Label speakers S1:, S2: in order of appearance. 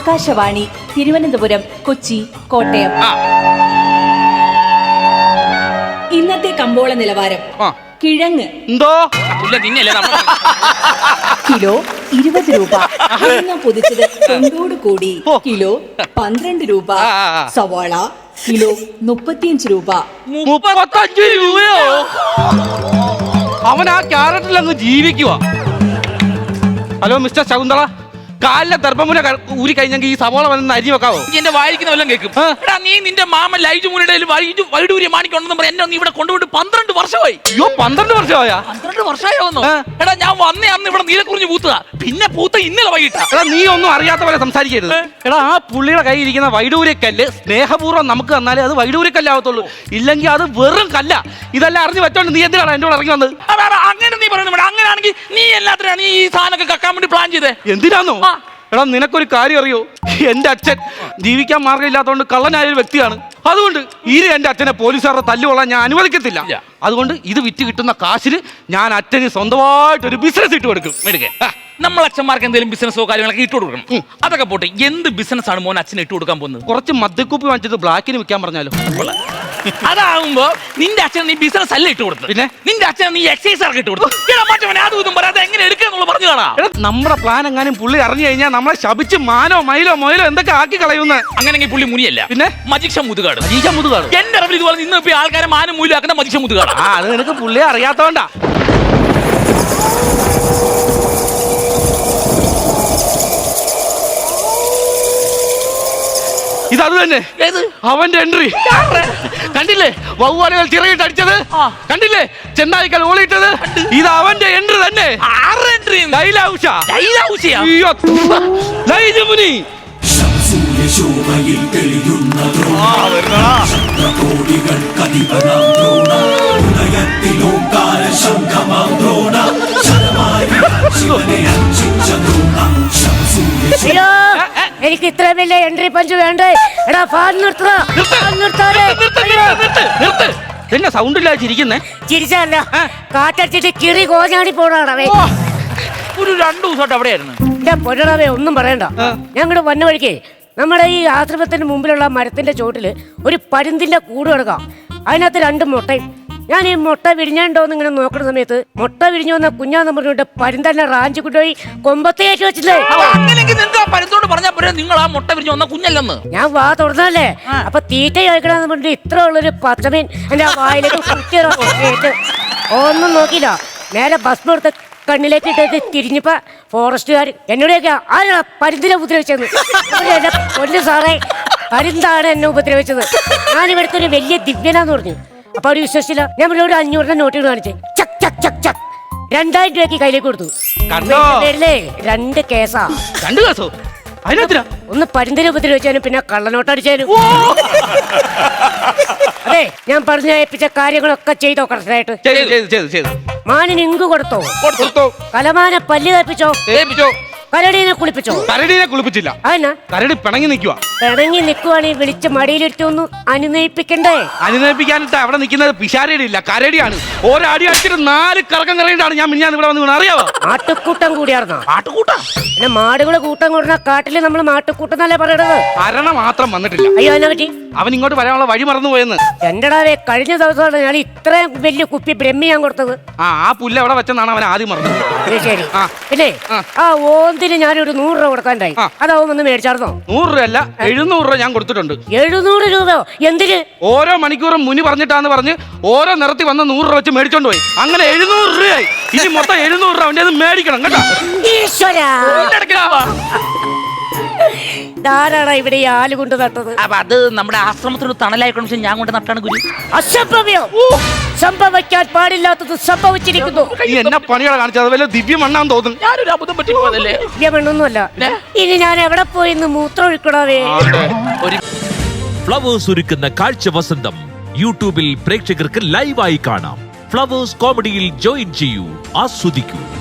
S1: ആകാശവാണി തിരുവനന്തപുരം, കൊച്ചി, കോട്ടയം. ഇന്നത്തെ കമ്പോള നിലവാരം. കിഴങ്ങ് കിലോ 20 രൂപ. പൊതിച്ചത് തൊണ്ടോട് കൂടി കിലോ 12 രൂപ. സവാള കിലോ 35 രൂപ.
S2: 35 രൂപയോ? അവൻ ആ ക്യാരറ്റിൽ അങ്ങ് ജീവിക്കുക. ഹലോ മിസ്റ്റർ ശകുന്തള, കാലിലെ ദർഭമുന ഊരി കഴിഞ്ഞെങ്കിൽ ഈ സവോള വന്ന് അരി വെക്കാവോ?
S3: എന്റെ വായിക്കുന്ന വല്ലതും കേൾക്കും. എടാ നീ നിന്റെ മാമൻ ലൈജു മുനിയുടെ വൈഡൂര്യ മാണിക്കുണ്ടെന്ന് പറയാൻ എന്നെ ഇവിടെ കൊണ്ടുപോയിട്ട് 12 വർഷമായി.
S2: അയ്യോ 12 വർഷമായാ?
S3: 12 വർഷമായോന്നോ? എടാ ഞാൻ വന്നേ അന്ന് ഇവിടെ നീലക്കുറിഞ്ഞ് പൂത്തതാ, പിന്നെ പൂത്ത ഇന്നലെ വൈകിട്ടാ.
S2: എടാ നീ ഒന്നും അറിയാത്ത പോലെ സംസാരിക്കരുത്. എടാ ആ പുള്ളിയുടെ കയ്യിൽ ഇരിക്കുന്ന വൈഡൂര്യക്കല്ല് സ്നേഹപൂർവ്വം നമുക്ക് തന്നാലേ അത് വൈഡൂര്യക്കല്ലാവത്തുള്ളൂ, ഇല്ലെങ്കിൽ അത് വെറും കല്ല. ഇതെല്ലാം അറിഞ്ഞു വെച്ചോണ്ട് നീ എന്തിനാണ് എന്റെ കൂടെ ഇറങ്ങി വന്നത്?
S3: അങ്ങനെ നീ പറയുന്നു. അങ്ങനെയാണെങ്കിൽ നീ എല്ലാത്തിനാണ് ഈ സാധനമൊക്കെ കക്കാൻ വേണ്ടി പ്ലാൻ ചെയ്തേ?
S2: എന്തിനാന്നോ? എടാ നിനക്കൊരു കാര്യം അറിയോ? എന്റെ അച്ഛൻ ജീവിക്കാൻ മാർഗമില്ലാത്തതുകൊണ്ട് കള്ളനായ ഒരു വ്യക്തിയാണ്. അതുകൊണ്ട് ഇനി എന്റെ അച്ഛനെ പോലീസുകാരുടെ തല്ലുകൊള്ളാൻ ഞാൻ അനുവദിക്കത്തില്ല. അതുകൊണ്ട് ഇത് വിറ്റ് കിട്ടുന്ന കാശിന് ഞാൻ അച്ഛന് സ്വന്തമായിട്ടൊരു ബിസിനസ് ഇട്ട് കൊടുക്കും.
S3: നമ്മൾ അച്ഛന്മാർക്ക് എന്തെങ്കിലും ബിസിനസ്സോ കാര്യങ്ങളൊക്കെ ഇട്ട് കൊടുക്കണം. അതൊക്കെ പോട്ടെ, എന്ത് ബിസിനസ് ആണ് മോൻ അച്ഛനെ ഇട്ട് കൊടുക്കാൻ പോകുന്നത്?
S2: കുറച്ച് മദ്യക്കുപ്പി വാങ്ങിച്ചത് ബ്ലാക്കിന് വിൽക്കാൻ പറഞ്ഞാലോ?
S3: അതാവുമ്പോ നിന്റെ അച്ഛൻ നീ ബിസിനസ് അല്ല ഇട്ട് കൊടുത്തു, പിന്നെ നിന്റെ അച്ഛൻ നീ എക്സൈസ് ആർക്ക് ഇട്ട് കൊടുത്തു. അതും പറയാതെ എങ്ങനെ എടുക്കാന്നുള്ള പറഞ്ഞു കാണാം.
S2: നമ്മുടെ പ്ലാൻ എങ്ങാനും പുള്ളി അറിഞ്ഞു കഴിഞ്ഞാൽ നമ്മളെ ശപിച്ച് മാനോ മയിലോ മൊയിലോ എന്തൊക്കെ ആക്കി കളയുന്ന.
S3: അങ്ങനെങ്കിൽ പുള്ളി മുനിയല്ല, പിന്നെ മജിക്ഷ മുതുകാട്. എന്റെ അറിവിൽ ഇതുപോലെ ഇന്ന് ഇപ്പൊ ആൾക്കാരെ മാനം മൂലം ആക്കുന്ന മജിക്ഷ മുതുകാട്.
S2: അത് നിനക്ക് പുള്ളിയെ അറിയാത്തോണ്ടാ. ഇതത് തന്നെ അവന്റെ എൻട്രി കണ്ടില്ലേ? വവ്വാലുകൾ ചിറകിട്ട് അടിച്ചത് കണ്ടില്ലേ? ചെന്നായിക്കൽ ഓളിയിട്ടത്. ഇത് അവന്റെ എൻട്രി തന്നെ.
S4: എനിക്ക് ഇത്ര വലിയ എൻട്രി പഞ്ച് വേണ്ടേ? എടാ ഫാൻ
S2: എന്നെ സൗണ്ട് ഇല്ലാതെ ചിരിക്കുന്നേ?
S4: ചിരിച്ചല്ല, കാറ്റടിച്ചിട്ട് കിറി കോഞ്ഞാടി പോണാടവേ.
S3: ഒരു 2 ദിവസമായിട്ട് അവിടെയായിരുന്നു.
S4: എന്റെ പൊന്നടവേ ഒന്നും പറയണ്ട. ഞങ്ങളുടെ വന്ന വഴിക്ക് നമ്മുടെ ഈ ആശ്രമത്തിന്റെ മുമ്പിലുള്ള മരത്തിന്റെ ചോട്ടില് ഒരു പരുന്തിന്റെ കൂട് കിടക്കാം. അതിനകത്ത് 2 മുട്ടയും. ഞാൻ ഈ മുട്ട വിരിഞ്ഞോന്ന് ഇങ്ങനെ നോക്കുന്ന സമയത്ത് മുട്ട വിരിഞ്ഞു വന്ന കുഞ്ഞാന്ന് പറഞ്ഞിട്ട് പരുന്തന്നെ റാഞ്ചി കൊണ്ടുപോയി കൊമ്പത്തേറ്റ് വെച്ചില്ലേ.
S3: നിങ്ങൾ ആ മുട്ട വിരിഞ്ഞു വന്ന കുഞ്ഞല്ലെന്ന്
S4: ഞാൻ വാ തുറന്നല്ലേ. അപ്പൊ തീറ്റ കഴിക്കണമെന്ന് പറഞ്ഞിട്ട് ഇത്ര ഉള്ളൊരു പച്ചമീൻ എന്റെ വായിലേക്ക് കുത്തിയിട്ട് ഒന്നും നോക്കിയില്ല. നേരെ ഭസ്മം എടുത്ത് കണ്ണിലേക്ക് ഇട്ടത് തിരിഞ്ഞപ്പോ ഫോറസ്റ്റുകാർ എന്നോടൊക്കെ ആരാ പരുന്തിനെ ഉപദ്രവിച്ചത്? എന്റെ പൊന്നു സാറേ, പരുന്താണ് എന്നെ ഉപദ്രവിച്ചത്. ഞാനിവിടുത്തെ ഒരു വലിയ ദിവ്യനാന്ന് പറഞ്ഞു. അപ്പൊ അവര് വിശ്വസിച്ചില്ല. ഞാൻ ഒരു 500 നോട്ടുകൾ കാണിച്ചേ. ചക് ചക് ചക് ചക് 2000 രൂപയ്ക്ക് കയ്യിലേക്ക് കൊടുത്തു. 2 കേസാ.
S2: 2 കേസോ?
S4: ഒന്ന് പരുന്തിനെ ഉപദ്രവിച്ചാലും പിന്നെ കള്ളനോട്ടടിച്ചാലും. അതെ, ഞാൻ പറഞ്ഞു ഏൽപ്പിച്ച കാര്യങ്ങളൊക്കെ ചെയ്തോ കറക്റ്റായിട്ട്? മാനിന് ഇങ്ക് കൊടുത്തോ? കലമാനെ പല്ല് കേൾപ്പിച്ചോ? കരടീനെ കുളിപ്പിച്ചോ?
S2: കരടീനെ കുളിപ്പിച്ചില്ല. കരടി പിണങ്ങി നിൽക്കുക.
S4: പിണങ്ങി നിൽക്കുവാണെങ്കിൽ വിളിച്ച് മടിയിലിട്ടൊന്ന് അനുനയിപ്പിക്കണ്ടേ?
S2: അനുനയിപ്പിക്കാനിട്ട് അവിടെ നിൽക്കുന്നത് പിശാരടി ഇല്ല, കരടിയാണ്. ഒരടി അടിച്ചിട്ട് 4 കറക്കം കറങ്ങിയിട്ടാണ് ഞാൻ ഇവിടെ വന്ന് അറിയാവോ?
S4: ആട്ടുകൂട്ടം കൂടിയാർന്നോ? ആട്ടുകൂട്ടം പിന്നെ മാടുകളെ കൂട്ടം കൂടുന്ന കാട്ടില് നമ്മൾ മാട്ടുകൂട്ടം എന്നല്ലേ പറയണത്.
S2: അരണ മാത്രം വന്നിട്ടില്ല.
S4: അയ്യോ അതിനെ പറ്റി
S2: അവൻ ഇങ്ങോട്ട് വരാനുള്ള വഴി മറന്നു പോയെന്ന്.
S4: എന്റെടാവേ, കഴിഞ്ഞ ദിവസമാണ് ഞാൻ ഇത്രയും വലിയ കുപ്പി ബ്രഹ്മി ഞാൻ കൊടുത്തത്.
S2: ആ പുല്ല് എവിടെ വെച്ചെന്നാണ് അവൻ ആദ്യം മറന്നത്.
S4: ശരി. പിന്നെ ആ ഓന്തിന് ഞാനൊരു 100 രൂപ കൊടുക്കാണ്ടായി. അതാവും ഒന്ന് മേടിച്ചാർന്നോ? 100
S2: രൂപ അല്ല, 700 രൂപ ഞാൻ കൊടുത്തിട്ടുണ്ട്.
S4: 700 രൂപയോ? എന്തിന്?
S2: ഓരോ മണിക്കൂറും മുനി പറഞ്ഞിട്ടാന്ന് പറഞ്ഞ് ഓരോ നിറത്തി വന്ന് 100 രൂപ വെച്ച് മേടിച്ചോണ്ട് പോയി. അങ്ങനെ 700 രൂപയായി. ഇനി മൊത്തം 700 രൂപ അവന്റെ മേടിക്കണം കേട്ടോ.
S4: ധാരാളം ഇവിടെ ഈ ആല് കൊണ്ട് നട്ടത്.
S3: അത് നമ്മുടെ ആശ്രമത്തിന് തണലായിക്കോട്ടെ ഞാൻ കൊണ്ട് നട്ടാണ് ഗുരു.
S4: അസംഭവ്യം, സംഭവിക്കാൻ പാടില്ലാത്തത് സംഭവിച്ചിരിക്കുന്നു.
S2: എന്നെ പണികളെ കാണിച്ചത് വല്ല ദിവ്യമണ്ണാന്ന് തോന്നുന്നു.
S3: ഞാനൊരു അബദ്ധം പറ്റി പോയതല്ലേ?
S4: ദിവ്യമണ്ണൊന്നുമല്ല. ഇനി ഞാൻ എവിടെ പോയി ഇന്ന് മൂത്രം ഒഴിക്കണവേ?
S5: ഫ്ലവേഴ്സ് ഒരുക്കുന്ന കാഴ്ച വസന്തം യൂട്യൂബിൽ പ്രേക്ഷകർക്ക് ലൈവായി കാണാം. ഫ്ലവേഴ്സ് കോമഡിയിൽ ജോയിൻ ചെയ്യൂ, ആസ്വദിക്കൂ.